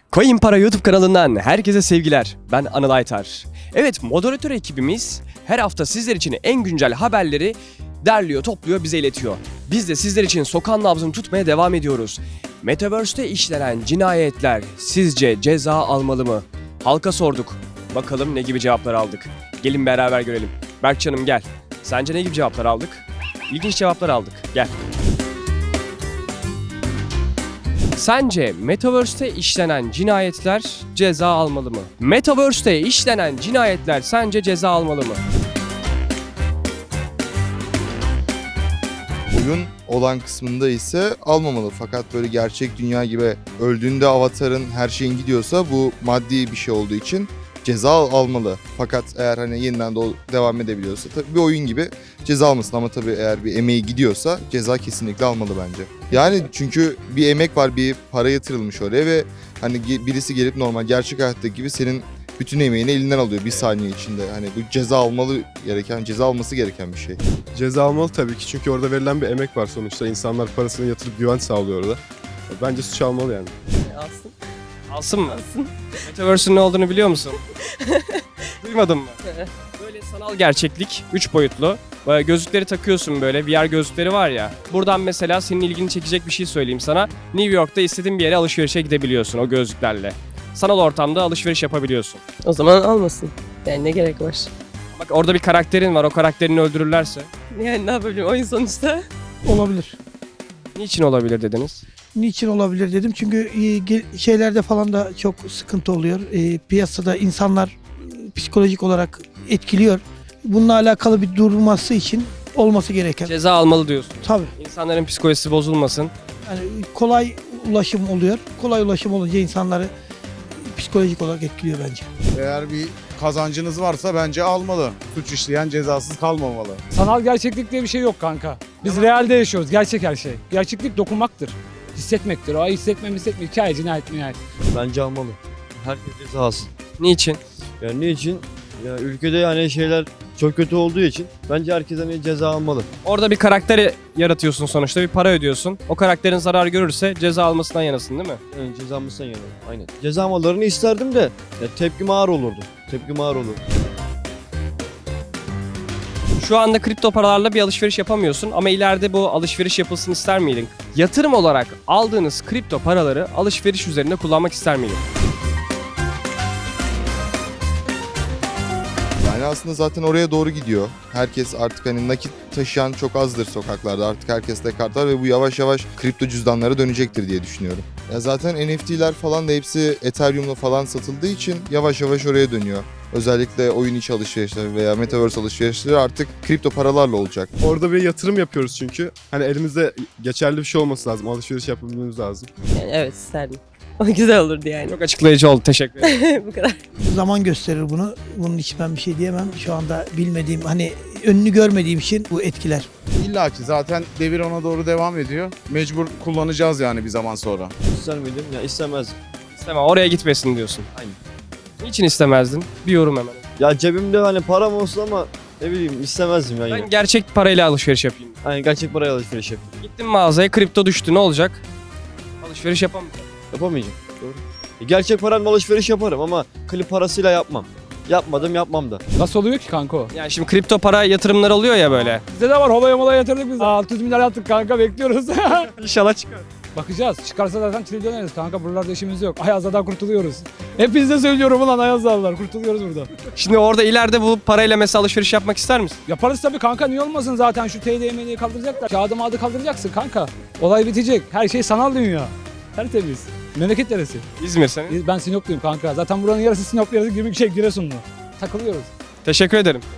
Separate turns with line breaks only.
Coin Para YouTube kanalından herkese sevgiler. Ben Anıl Aytar. Evet, moderatör ekibimiz her hafta sizler için en güncel haberleri derliyor, topluyor, bize iletiyor. Biz de sizler için sokağın nabzını tutmaya devam ediyoruz. Metaverse'te işlenen cinayetler sizce ceza almalı mı? Halka sorduk. Bakalım ne gibi cevaplar aldık. Gelin beraber görelim. Berkcan'ım gel. Sence ne gibi cevaplar aldık? İlginç cevaplar aldık. Gel. Sence Metaverse'te işlenen cinayetler ceza almalı mı? Metaverse'te işlenen cinayetler sence ceza almalı mı?
Oyun olan kısmında ise almamalı. Fakat böyle gerçek dünya gibi öldüğünde avatarın her şeyin gidiyorsa bu maddi bir şey olduğu için ceza almalı. Fakat eğer hani yeniden de devam edebiliyorsa tabii bir oyun gibi ceza almasın. Ama tabii eğer bir emeği gidiyorsa ceza kesinlikle almalı bence. Yani çünkü bir emek var, bir para yatırılmış oraya ve hani birisi gelip normal gerçek hayattaki gibi senin bütün emeğini elinden alıyor bir saniye içinde. Hani bu ceza alması gereken bir şey.
Ceza almalı tabii ki çünkü orada verilen bir emek var sonuçta. İnsanlar parasını yatırıp güven sağlıyor orada. Bence suç almalı yani.
Alsın.
Alsın mı?
Alsın.
Metaverse'ün ne olduğunu biliyor musun? Duymadın mı? Böyle sanal gerçeklik, 3 boyutlu. Böyle gözlükleri takıyorsun böyle, VR gözlükleri var ya. Buradan mesela senin ilgini çekecek bir şey söyleyeyim sana. New York'ta istediğin bir yere alışverişe gidebiliyorsun o gözlüklerle. Sanal ortamda alışveriş yapabiliyorsun.
O zaman almasın. Yani ne gerek var?
Bak orada bir karakterin var, o karakterini öldürürlerse.
Yani ne yapabilirim oyun sonuçta?
Olabilir.
Niçin olabilir dediniz?
Niçin olabilir dedim çünkü şeylerde falan da çok sıkıntı oluyor. Piyasada insanlar psikolojik olarak etkiliyor. Bununla alakalı bir durması için olması gereken.
Ceza almalı diyorsun.
Tabii.
İnsanların psikolojisi bozulmasın.
Yani kolay ulaşım oluyor. Kolay ulaşım olunca insanları psikolojik olarak etkiliyor bence.
Eğer bir kazancınız varsa bence almalı. Suç işleyen cezasız kalmamalı.
Sanal gerçeklik diye bir şey yok kanka. Biz realde yaşıyoruz. Gerçek her şey. Gerçeklik dokunmaktır. Hissetmektir. O hissetme. Hikaye, cinayet.
Bence almalı. Herkes ceza alsın.
Niçin?
Yani niçin? Ya ülkede yani şeyler çok kötü olduğu için bence herkes hani ceza almalı.
Orada bir karakter yaratıyorsun sonuçta, bir para ödüyorsun. O karakterin zarar görürse ceza almasından yanasın değil mi?
Yani ceza almasından yana. Aynen. Ceza almalarını isterdim de ya tepkim ağır olurdu. Tepkim ağır olurdu.
Şu anda kripto paralarla bir alışveriş yapamıyorsun ama ileride bu alışveriş yapılsın ister miydin? Yatırım olarak aldığınız kripto paraları alışveriş üzerinde kullanmak ister miydin?
Yani aslında zaten oraya doğru gidiyor. Herkes artık hani nakit taşıyan çok azdır sokaklarda. Artık herkeste kart var ve bu yavaş yavaş kripto cüzdanlara dönecektir diye düşünüyorum. Ya zaten NFT'ler falan da hepsi Ethereum'la falan satıldığı için yavaş yavaş oraya dönüyor. Özellikle oyun içi alışverişleri veya Metaverse alışverişleri artık kripto paralarla olacak.
Orada bir yatırım yapıyoruz çünkü. Hani elimizde geçerli bir şey olması lazım. Alışveriş yapabilmemiz lazım.
Yani evet isterdim. O güzel olurdu yani.
Çok açıklayıcı oldu, teşekkür ederim.
Bu kadar.
Zaman gösterir bunu. Bunun için ben bir şey diyemem. Şu anda bilmediğim, hani önünü görmediğim için bu etkiler.
İlla ki zaten devir ona doğru devam ediyor. Mecbur kullanacağız yani bir zaman sonra.
İster miydim? Ya istemezdim.
İstemem, oraya gitmesin diyorsun.
Aynen.
Niçin istemezdin? Bir yorum hemen.
Ya cebimde hani param olsun ama ne bileyim istemezdim ya yine.
Ben gerçek parayla alışveriş yapayım.
Hani gerçek paraya alışveriş yapayım.
Gittim mağazaya, kripto düştü, ne olacak? Alışveriş yapamayacağım.
Yapamayacağım. Doğru. Gerçek paramla alışveriş yaparım ama klip parasıyla yapmam. Yapmam da.
Nasıl oluyor ki kanka o?
Yani şimdi kripto para yatırımları oluyor ya böyle.
Bizde de var. Holaya yatırdık biz. 600 milyar yaptık kanka. Bekliyoruz.
İnşallah çıkar.
Bakacağız. Çıkarsa zaten trilyoneriz kanka. Buralarda işimiz yok. Ayaz'dan kurtuluyoruz. Hepinize söylüyorum ulan Ayazlarlar. Kurtuluyoruz burada.
Şimdi orada ileride bu parayla mesela alışveriş yapmak ister misin?
Yaparız tabii kanka. Niye olmasın zaten şu TDM'yi kaldıracaklar. Kağıdı mağdı kaldıracaksın kanka. Olay bitecek. Her şey sanal dünya. Tertemiz. Memleket neresi?
İzmir senin.
Ben Sinopluyum kanka. Zaten buranın yarısı Sinoplu, yarısı Giresunlu. Takılıyoruz.
Teşekkür ederim.